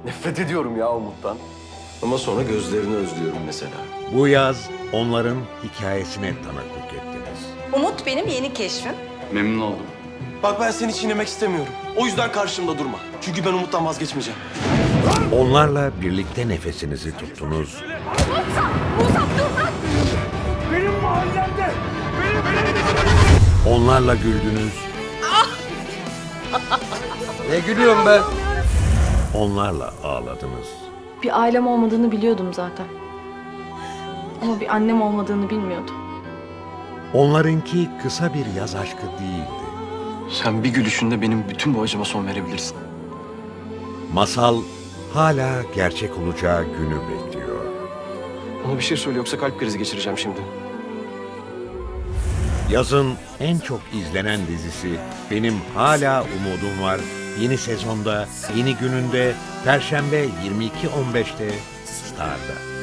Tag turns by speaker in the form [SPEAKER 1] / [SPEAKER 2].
[SPEAKER 1] Nefret ediyorum ya Umut'tan. Ama sonra gözlerini özlüyorum mesela.
[SPEAKER 2] Bu yaz onların hikayesine tanıklık ettiniz.
[SPEAKER 3] Umut benim yeni keşfim.
[SPEAKER 4] Memnun oldum.
[SPEAKER 1] Bak ben seni çiğnemek istemiyorum. O yüzden karşımda durma. Çünkü ben Umut'tan vazgeçmeyeceğim.
[SPEAKER 2] Onlarla birlikte nefesinizi tuttunuz.
[SPEAKER 5] Benim mahallemde!
[SPEAKER 2] Onlarla güldünüz.
[SPEAKER 1] Ne gülüyorum ben?
[SPEAKER 2] Onlarla ağladınız.
[SPEAKER 6] Bir ailem olmadığını biliyordum zaten. Ama bir annem olmadığını bilmiyordum.
[SPEAKER 2] Onlarınki kısa bir yaz aşkı değildi.
[SPEAKER 1] Sen bir gülüşünde benim bütün bu acıma son verebilirsin.
[SPEAKER 2] Masal hala gerçek olacağı günü bekliyor.
[SPEAKER 1] Ona bir şey söyle yoksa kalp krizi geçireceğim şimdi.
[SPEAKER 2] Yazın en çok izlenen dizisi Benim Hala Umudum Var yeni sezonda, yeni gününde Perşembe 22.15'te Star'da.